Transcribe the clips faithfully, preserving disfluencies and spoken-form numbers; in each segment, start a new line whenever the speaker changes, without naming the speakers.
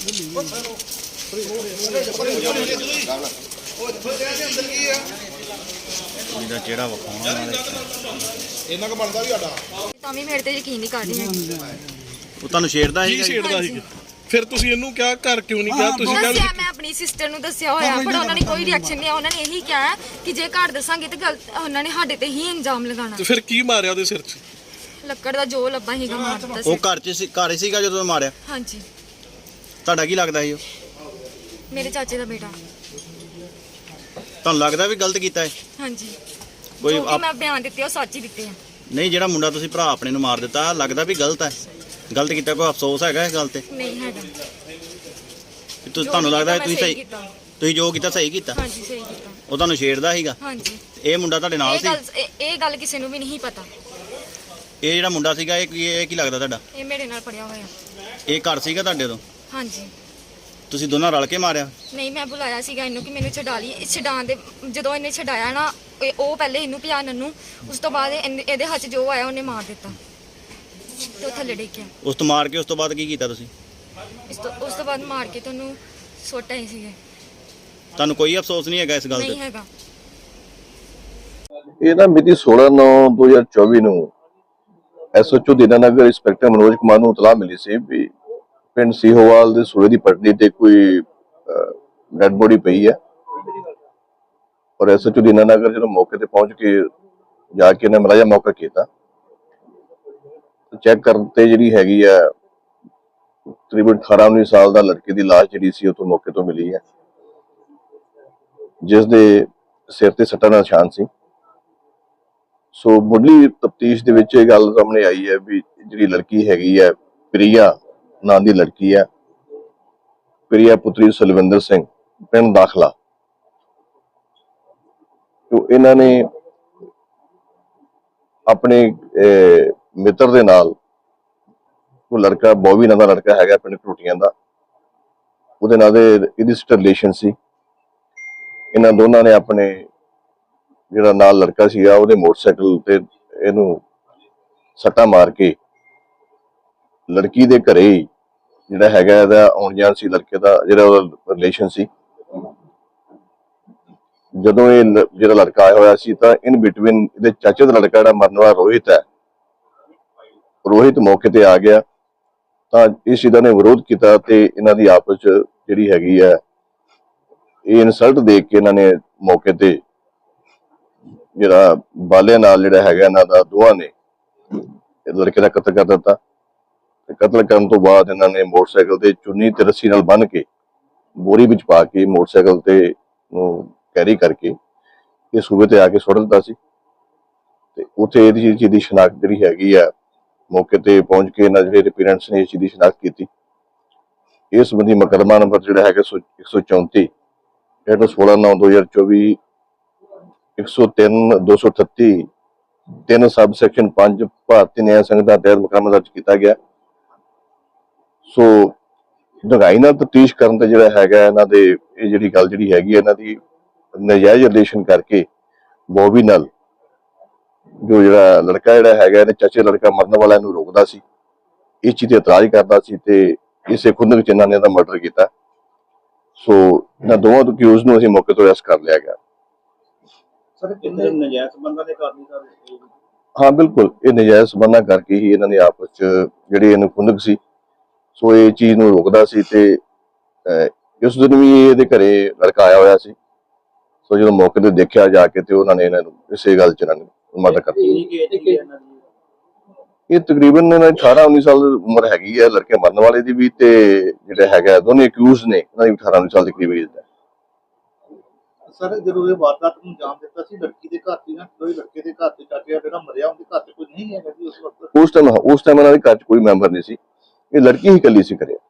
ਇਹਦਾ ਚਿਹਰਾ ਵਿਖਾਉਣਾ
ਇਹਨਾਂ ਕੋ ਬਣਦਾ ਵੀ ਸਾਡਾ
ਤਾਂ ਵੀ ਮੇਰੇ ਤੇ ਯਕੀਨ ਨਹੀਂ ਕਰ ਰਹੀ ਹੈ।
ਉਹ ਤੁਹਾਨੂੰ ਛੇੜਦਾ
ਕੀ ਛੇੜਦਾ ਸੀ? ਫਿਰ ਤੁਸੀਂ ਇਹਨੂੰ ਕਿਹਾ ਘਰ ਕਿਉਂ ਨਹੀਂ ਗਿਆ? ਤੁਸੀਂ ਕਿਹਾ
ਦੱਸਿਆ, ਮੈਂ ਆਪਣੀ ਸਿਸਟਰ ਨੂੰ ਦੱਸਿਆ ਹੋਇਆ, ਪਰ ਉਹਨਾਂ ਨੇ ਕੋਈ ਰਿਐਕਸ਼ਨ ਨਹੀਂ ਆ। ਉਹਨਾਂ ਨੇ ਇਹੀ ਕਿਹਾ ਕਿ ਜੇ ਘਰ ਦੱਸਾਂਗੇ ਤੇ ਗਲਤ ਉਹਨਾਂ ਨੇ ਸਾਡੇ ਤੇ ਹੀ ਇਲਜ਼ਾਮ ਲਗਾਉਣਾ।
ਤੇ ਫਿਰ ਕੀ ਮਾਰਿਆ ਉਹਦੇ ਸਿਰ 'ਚ?
ਲੱਕੜ ਦਾ ਜੋ ਲੱਭਾ ਹੀਗਾ ਮਾਰ ਦਿੱਤਾ
ਉਹ
ਸੀ।
ਘਰ 'ਚ ਸੀ, ਘਰ ਹੀ ਸੀਗਾ ਜਦੋਂ ਮਾਰਿਆ?
ਹਾਂਜੀ,
ਤੁਹਾਡਾ ਕੀ ਲੱਗਦਾ ਸੀ ਉਹ?
ਮੇਰੇ ਚਾਚੇ ਦਾ ਬੇਟਾ।
ਤੁਹਾਨੂੰ ਲੱਗਦਾ ਵੀ ਗਲਤ ਕੀਤਾ ਹੈ?
ਹਾਂਜੀ,
ਕੋਈ
ਜੋ ਵੀ
ਆਪ-
ਮੈਂ ਬਿਆਨ ਦਿੱਤੇ ਉਹ ਸੱਚ ਹੀ ਦਿੱਤੇ ਆ।
ਨਹੀਂ, ਜਿਹੜਾ ਮੁੰਡਾ ਤੁਸੀਂ ਭਰਾ ਆਪਣੇ ਨੂੰ ਮਾਰ ਦਿੱਤਾ, ਲੱਗਦਾ ਵੀ ਗਲਤ ਹੈ? ਗਲਤ ਕੀਤਾ, ਕੋਈ ਅਫਸੋਸ ਹੈਗਾ ਇਸ ਗੱਲ ਤੇ?
ਨਹੀਂ ਹੈਗਾ।
ਕਿ ਤੁ- ਤੁਹਾਨੂੰ ਲੱਗਦਾ ਹੈ ਤੁਸੀਂ ਸਹੀ
ਕੀਤਾ।
ਤੁਸੀਂ ਜੋ ਕੀਤਾ ਸਹੀ ਕੀਤਾ?
ਹਾਂਜੀ, ਸਹੀ ਕੀਤਾ।
ਉਹ ਤੁਹਾਨੂੰ ਛੇੜਦਾ ਸੀਗਾ?
ਹਾਂਜੀ,
ਇਹ ਮੁੰਡਾ ਤੁਹਾਡੇ ਨਾਲ
ਇਹ
ਸੀ?
ਗੱਲ ਇਹ- ਇਹ ਗੱਲ ਕਿਸੇ ਨੂੰ ਵੀ ਨਹੀਂ ਪਤਾ।
ਇਹ ਜਿਹੜਾ ਮੁੰਡਾ ਸੀਗਾ ਇਹ ਕੀ ਇਹ ਕੀ ਲੱਗਦਾ ਤੁਹਾਡਾ?
ਇਹ ਮੇਰੇ ਨਾਲ ਪੜਿਆ ਹੋਇਆ।
ਇਹ ਘਰ ਸੀਗਾ ਤੁਹਾਡੇ ਤੋਂ?
ਹਾਂਜੀ,
ਤੁਸੀਂ ਦੋਨਾਂ ਰਲ ਕੇ ਮਾਰਿਆ?
ਨਹੀਂ, ਮੈਂ ਬੁਲਾਇਆ ਸੀਗਾ ਇਹਨੂੰ ਕਿ ਮੈਨੂੰ ਛਡਾ ਲਈ। ਇਹ ਛਡਾਉਣ ਦੇ ਜਦੋਂ ਇਹਨੇ ਛਡਾਇਆ ਨਾ, ਇਹ- ਉਹ ਪਹਿਲੇ ਇਹਨੂੰ ਪਿਆ ਨੰਨੂ, ਉਸ ਤੋਂ ਬਾਅਦ ਇਹਨੇ- ਇਹਦੇ ਹੱਥ 'ਚ ਜੋ ਆਇਆ ਉਹਨੇ ਮਾਰ ਦਿੱਤਾ ਤੇ ਉਹ ਥੱਲੇ ਡਿੱਗਿਆ।
ਉਸ ਤੋਂ ਮਾਰ ਕੇ ਉਸ ਤੋਂ ਬਾਅਦ ਕੀ ਕੀਤਾ ਤੁਸੀਂ?
ਇਸ ਤੋਂ ਉਸ ਤੋਂ ਬਾਅਦ ਮਾਰ ਕੇ ਤੁਹਾਨੂੰ ਸੁੱਟ ਆਏ ਸੀਗੇ।
ਤੁਹਾਨੂੰ ਕੋਈ ਅਫਸੋਸ ਨਹੀਂ ਹੈਗਾ ਇਸ ਗੱਲ
ਨਹੀਂ
ਤੇ?
ਹੈਗਾ।
ਇਹ ਨਾ ਮਿਤੀ ਸੋਲਾਂ ਨੌ ਦੋ ਹਜ਼ਾਰ ਚੌਵੀ ਨੂੰ ਐਸਐਚਓ ਦੀਨਾਨਗਰ ਇੰਸਪੈਕਟਰ ਮਨੋਜ ਕੁਮਾਰ ਨੂੰ ਇਤਲਾਹ ਮਿਲੀ ਸੀ ਵੀ ਪਿੰਡ ਸੀਹੋਵਾਲ ਦੇ ਸੂਏ ਦੀ ਪਟੜੀ ਤੇ ਕੋਈ ਡੈਡ ਬੋਡੀ ਪਈ ਹੈ। ਔਰ ਐਸਐਚਓ ਦੀਨਾਨਗਰ ਜਦੋਂ ਮੌਕੇ ਤੇ ਪਹੁੰਚ ਕੇ ਜਾ ਕੇ ਇਹਨੇ ਮਲਾਜਾ ਮੌਕਾ ਕੀਤਾ, ਚੈੱਕ ਕਰਨ ਤੇ ਜਿਹੜੀ ਹੈਗੀ ਆ ਤਕਰੀਬਨ ਅਠਾਰਾਂ ਉੱਨੀ ਸਾਲ ਦਾ ਲੜਕੇ ਦੀ ਲਾਸ਼ ਜਿਹੜੀ ਸੀ ਉਹ ਤੋਂ ਮੌਕੇ ਤੋਂ ਮਿਲੀ ਹੈ, ਜਿਸ ਦੇ ਸਿਰ ਤੇ ਸੱਟਾਂ ਦਾ ਨਿਸ਼ਾਨ ਸੀ। ਸੋ ਮੁੱਢਲੀ ਤਫਤੀਸ਼ ਦੇ ਵਿੱਚ ਇਹ ਗੱਲ ਸਾਹਮਣੇ ਆਈ ਹੈ ਵੀ ਜਿਹੜੀ ਲੜਕੀ ਹੈਗੀ ਹੈ ਪ੍ਰਿਆ ਨਾਂ ਦੀ ਲੜਕੀ ਹੈ, ਪ੍ਰਿਆ ਪੁੱਤਰੀ ਸੁਲਵਿੰਦਰ ਸਿੰਘ, ਪਿੰਡ ਦਾਖਲਾ। ਜੋ ਇਹਨਾਂ ਨੇ ਆਪਣੇ ਮਿੱਤਰ ਦੇ ਨਾਲ, ਉਹ ਲੜਕਾ ਬੋਵੀ ਨਾਂ ਦਾ ਲੜਕਾ ਹੈਗਾ ਪਿੰਡ ਟੂਟੀਆਂ ਦਾ, ਉਹਦੇ ਨਾਲ ਦੇ ਇਹਦੀ ਰਿਲੇਸ਼ਨ ਸੀ। ਇਹਨਾਂ ਦੋਨਾਂ ਨੇ ਆਪਣੇ ਜਿਹੜਾ ਨਾਲ ਲੜਕਾ ਸੀਗਾ ਉਹਦੇ ਮੋਟਰਸਾਈਕਲ ਤੇ ਇਹਨੂੰ ਸੱਟਾ ਮਾਰ ਕੇ ਲੜਕੀ ਦੇ ਘਰੇ ਜਿਹੜਾ ਹੈਗਾ ਇਹਦਾ ਆਉਣ ਜਾਣ ਸੀ, ਲੜਕੇ ਦਾ ਜਿਹੜਾ ਉਹਦਾ ਰਿਲੇਸ਼ਨ ਸੀ। ਜਦੋਂ ਇਹ ਜਿਹੜਾ ਲੜਕਾ ਆਇਆ ਹੋਇਆ ਸੀ ਤਾਂ ਇਨ ਬਿਟਵੀਨ ਇਹਦੇ ਚਾਚੇ ਦਾ ਲੜਕਾ ਜਿਹੜਾ ਮਰਨ ਵਾਲਾ ਰੋਹਿਤ ਹੈ, ਰੋਹਿਤ ਮੌਕੇ ਤੇ ਆ ਗਿਆ ਤਾਂ ਇਸ ਚੀਜ਼ ਦਾ ਨੇ ਵਿਰੋਧ ਕੀਤਾ ਤੇ ਇਹਨਾਂ ਦੀ ਆਪਸ ਚ ਜਿਹੜੀ ਹੈਗੀ ਹੈ ਇਹ ਇਨਸਲਟ ਦੇਖ ਕੇ ਇਹਨਾਂ ਨੇ ਮੌਕੇ ਤੇ ਜਿਹੜਾ ਬਾਲੇ ਨਾਲ ਜਿਹੜਾ ਹੈਗਾ ਇਹਨਾਂ ਦਾ ਦੋਵਾਂ ਨੇ ਲੜਕੇ ਦਾ ਕਤਲ ਕਰ ਦਿੱਤਾ। ਤੇ ਕਤਲ ਕਰਨ ਤੋਂ ਬਾਅਦ ਇਹਨਾਂ ਨੇ ਮੋਟਰਸਾਈਕਲ ਤੇ ਚੁੰਨੀ ਤੇ ਰੱਸੀ ਨਾਲ ਬੰਨ੍ਹ ਕੇ ਬੋਰੀ ਵਿੱਚ ਪਾ ਕੇ ਮੋਟਰਸਾਈਕਲ ਤੇ ਨੂੰ ਕੈਰੀ ਕਰਕੇ ਇਹ ਸੂਬੇ ਤੇ ਆ ਕੇ ਸੁੱਟ ਦਿੱਤਾ ਸੀ। ਤੇ ਉੱਥੇ ਇਹਦੀ ਚੀਜ਼ ਦੀ ਸ਼ਨਾਖਤ ਜਿਹੜੀ ਹੈਗੀ ਆ ਮੌਕੇ ਤੇ ਪਹੁੰਚ ਕੇ ਇਹਨਾਂ ਜਿਹੜੇ ਪੇਰੈਂਟਸ ਨੇ ਇਸ ਚੀਜ਼ ਦੀ ਸ਼ਨਾਖਤ ਕੀਤੀ। ਇਸ ਸੰਬੰਧੀ ਮੁਕੱਦਮਾ ਨੰਬਰ ਜਿਹੜਾ ਹੈਗਾ ਇੱਕ ਸੌ ਚੌਂਤੀ ਹੇਠ ਸੋਲਾਂ ਨੌ ਦੋ ਹਜ਼ਾਰ ਚੌਵੀ ਇੱਕ ਸੌ ਤਿੰਨ ਦੋ ਸੌ ਅਠੱਤੀ ਤਿੰਨ ਸਬ ਸੈਕਸ਼ਨ ਪੰਜ ਭਾਰਤੀ ਨਿਆਂ ਸੰਹਿਤਾ ਤਹਿਤ ਮੁਕੱਦਮਾ ਦਰਜ ਕੀਤਾ ਗਿਆ। ਸੋ ਡੂੰਘਾਈ ਨਾਲ ਤਫਤੀਸ਼ ਕਰਨ ਤੇ ਜਿਹੜਾ ਹੈਗਾ ਇਹਨਾਂ ਦੇ ਇਹ ਜਿਹੜੀ ਗੱਲ ਜਿਹੜੀ ਹੈਗੀ ਇਹਨਾਂ ਦੀ ਨਜਾਇਜ਼ ਰਿਲੇਸ਼ਨ ਕਰਕੇ ਬੋਬੀ ਨਾਲ ਜੋ ਜਿਹੜਾ ਲੜਕਾ ਜਿਹੜਾ ਹੈਗਾ ਇਹਦੇ ਚਾਚੇ ਲੜਕਾ ਮਰਨ ਵਾਲਾ ਇਹਨੂੰ ਰੋਕਦਾ ਸੀ, ਇਸ ਚੀਜ਼ ਤੇ ਇਤਰਾਜ਼ ਕਰਦਾ ਸੀ ਤੇ ਇਸੇ ਖੁੰਦਕ ਵਿੱਚ ਇਹਨਾਂ ਨੇ ਇਹਦਾ ਮਰਡਰ ਕੀਤਾ। ਸੋ ਇਹਨਾਂ ਦੋਵਾਂ ਅਕਿਊਜ਼ ਨੂੰ ਅਸੀਂ ਮੌਕੇ ਤੋਂ ਅਰੈਸਟ ਕਰ ਲਿਆ ਗਿਆ।
ਸਰ ਕਿੰਨੇ ਨਜਾਇਜ਼ ਸੰਬੰਧਾਂ ਦੇ ਕਾਰਨ ਸਰ?
ਹਾਂ ਬਿਲਕੁਲ, ਇਹ ਨਜਾਇਜ਼ ਸੰਬੰਧਾਂ ਕਰਕੇ ਹੀ ਇਹਨਾਂ ਨੇ ਆਪਸ ਚ ਜਿਹੜੀ ਇਹਨੂੰ ਖੁੰਦਕ ਸੀ ਸੋ ਇਹ ਚੀਜ਼ ਨੂੰ ਰੋਕਦਾ ਸੀ ਤੇ ਇਸ ਦਿਨ ਵੀ ਇਹਦੇ ਘਰੇ ਲੜਕਾ ਆਇਆ ਹੋਇਆ ਸੀ। ਸੋ ਜਦੋਂ ਮੌਕੇ ਤੇ ਦੇਖਿਆ ਜਾ ਕੇ ਤੇ ਉਹਨਾਂ ਨੇ ਇਹਨਾਂ ਨੂੰ ਇਸੇ ਗੱਲ ਚ ਇਹਨਾਂ ਨੇ ਮਰਡਰ ਕਰ ਦਿੱਤਾ। ਇਹ ਤਕਰੀਬਨ ਇਹਨਾਂ ਦੀ ਅਠਾਰਾਂ ਉੱਨੀ ਸਾਲ ਉਮਰ ਹੈਗੀ ਹੈ ਲੜਕੇ ਮਰਨ ਵਾਲੇ ਦੀ ਵੀ ਤੇ ਜਿਹੜਾ ਹੈਗਾ ਦੋਨੇ ਅਕਿਊਜ਼ ਨੇ ਉਹਨਾਂ ਦੀ ਅਠਾਰਾਂ ਉੱਨੀ ਸਾਲ ਦੀ ਕਰੀਬ ਏਜ ਹੈ।
ਸਰ ਜਦੋਂ ਇਹ ਵਾਰਦਾਤ ਨੂੰ ਅੰਜਾਮ ਦਿੱਤਾ ਸੀ ਲੜਕੀ ਦੇ ਘਰ ਦੀ ਨਾ ਕੋਈ ਲੜਕੇ ਦੇ ਘਰ ਤੇ ਚਾਚਾ ਜਿਹੜਾ ਮਰਿਆ ਉਹਦੇ ਘਰ ਤੇ ਕੋਈ ਨਹੀਂ ਹੈਗਾ ਜੀ ਉਸ ਵਕਤ?
ਉਸ ਟਾਈਮ ਉਸ ਟਾਈਮ ਇਹਨਾਂ ਦੇ ਘਰ ਚ ਕੋਈ ਮੈਂਬਰ ਨਹੀਂ ਸੀ, ਇਹ ਲੜਕੀ ਹੀ ਇਕੱਲੀ ਸੀ ਘਰੇ।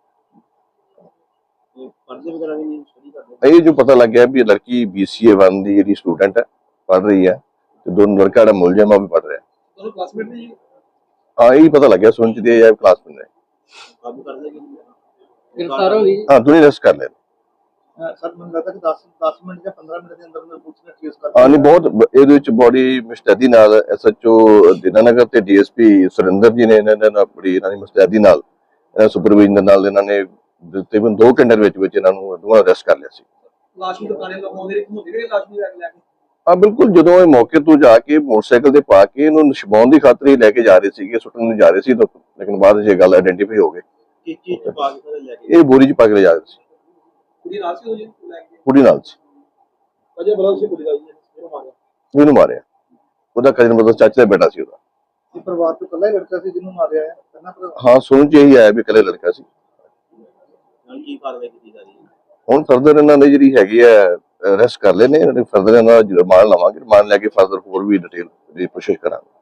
ਪਰਦੇ ਵਗੈਰਾ ਵੀ ਨਹੀਂ ਸਟੱਡੀ ਕਰਦੇ?
ਇਹ ਜੋ ਪਤਾ ਲੱਗਿਆ ਵੀ ਇਹ ਲੜਕੀ ਬੀਸੀਏ ਵਨ ਦੀ ਜਿਹੜੀ ਸਟੂਡੈਂਟ ਹੈ, ਪੜ੍ਹ ਰਹੀ ਹੈ ਤੇ ਦੋਨੋਂ ਲੜਕਾ ਜਿਹੜਾ ਮੁਲਜ਼ਮ ਆ ਉਹ ਵੀ ਪੜ੍ਹ ਰਿਹਾ।
ਉਹ ਕਲਾਸਮੇਟ ਨੇ ਜੀ?
ਹਾਂ ਇਹੀ ਪਤਾ ਲੱਗਿਆ ਸੁਣ ਚ ਦੇ ਕਲਾਸਮੇਟ ਨੇ।
ਕਾਬੂ ਕਰ ਲਿਆ ਕਿ
गिरफ्तार हो गई?
ਹਾਂ ਦੋਨੇ ਅਰੈਸਟ ਕਰ ਲਏ।
ਸਰ ਮੈਨੂੰ ਲੱਗਦਾ ਕਿ ਦਸ ਦਸ ਮਿੰਟ ਜਾਂ ਪੰਦਰਾਂ ਮਿੰਟ ਦੇ ਅੰਦਰ ਅੰਦਰ ਪੁਲਿਸ ਨੇ ਟ੍ਰੇਸ ਕਰ
ਹਾਂ ਨਹੀਂ ਬਹੁਤ ਇਹਦੇ ਵਿੱਚ ਬੜੀ ਮੁਸਤੈਦੀ ਨਾਲ ਐਸਐਚਓ ਦੀਨਾਨਗਰ ਤੇ ਡੀਐਸਪੀ ਸੁਰਿੰਦਰ ਜੀ ਨੇ ਇਹਨਾਂ ਨਾਲ ਬੜੀ ਇਹਨਾਂ ਦੀ ਮੁਸਤੈਦੀ ਨਾਲ ਇਹਨਾਂ ਸੁਪਰਵਾਈਜ਼ਰ ਨਾਲ ਇਹਨਾਂ ਨੇ ਤਕਰੀਬਨ ਦੋ ਘੰਟੇ ਦੇ ਵਿੱਚ ਵਿੱਚ ਇਹਨਾਂ ਨੂੰ ਦੋਵਾਂ ਅਰੈਸਟ ਕਰ ਲਿਆ ਸੀ।
ਲਾਸ਼ ਨੂੰ ਦੁਕਾਨੇ ਲਗਾਉਂਦੇ ਰਹੇ ਘੁੰਮਦੇ ਰਹੇ ਲਾਸ਼ ਨੂੰ ਲੈ ਕੇ ਲੈ ਕੇ
ਹਾਂ ਬਿਲਕੁਲ, ਜਦੋਂ ਇਹ ਮੌਕੇ ਤੋਂ ਜਾ ਕੇ ਮੋਟਰਸਾਈਕਲ ਤੇ ਪਾ ਕੇ ਇਹਨੂੰ ਛੁਪਾਉਣ ਦੀ ਖਾਤਰ ਹੀ ਲੈ ਕੇ ਜਾ ਰਹੇ ਸੀਗੇ, ਸੁੱਟਣ ਨੂੰ ਜਾ ਰਹੇ ਸੀ ਤਾਂ ਲੇਕਿਨ ਬਾਅਦ ਵਿੱਚ ਇਹ ਗੱਲ ਆਇਡੈਂਟੀਫਾਈ ਹੋ ਗਈ।
ਕੀ ਚੀਜ਼ ਚ ਪਾ ਕੇ ਸਾਰੇ ਲੈ ਕੇ
ਇਹ ਬੋਰੀ 'ਚ ਪਾ ਕੇ ਜਾ ਰਹੇ ਸੀ,
ਕੁੜੀ ਨਾਲ ਸੀ ਉਹ ਜੀ ਲੈ ਕੇ
ਕੁੜੀ ਨਾਲ ਸੀ,
ਅਜੇ ਬੜਾ ਸੀ ਕੁੜੀ ਦਾ ਜੀ ਇਹਨੂੰ ਮਾਰਿਆ।
ਉਹਨੂੰ ਮਾਰਿਆ। ਉਹਦਾ ਕਜ਼ਨ ਮਤਲਬ ਚਾਚੇ ਦਾ ਬੇਟਾ ਸੀ ਉਹਦਾ।
ਇਹ ਪਰਿਵਾਰ ਤੋਂ ਇਕੱਲਾ ਹੀ ਲੜਕਾ ਸੀ ਜਿਹਨੂੰ ਮਾਰਿਆ ਹੈ ਪਹਿਲਾਂ ਪਰਿਵਾਰ
ਹਾਂ ਸੁਣ 'ਚ ਇਹੀ ਆਇਆ ਵੀ ਇਕੱਲੇ ਲੜਕਾ ਸੀ।
ਨਾਲ ਕੀ ਕਾਰਵਾਈ ਕੀਤੀ ਜਾ ਰਹੀ ਹੈ?
ਹੁਣ ਫਰਦਰ ਇਹਨਾਂ ਨੇ ਜਿਹੜੀ ਹੈਗੀ ਹੈ ਅਰੈਸਟ ਕਰ ਲਏ ਨੇ, ਫਰਦਰ ਇਹਨਾਂ ਦਾ ਰਿਮਾਂਡ ਲਵਾਂਗੇ, ਰਿਮਾਂਡ ਲੈ ਕੇ ਫਰਦਰ ਹੋਰ ਵੀ ਡਿਟੇਲ ਦੀ ਕੋਸ਼ਿਸ਼ ਕਰਾਂਗੇ।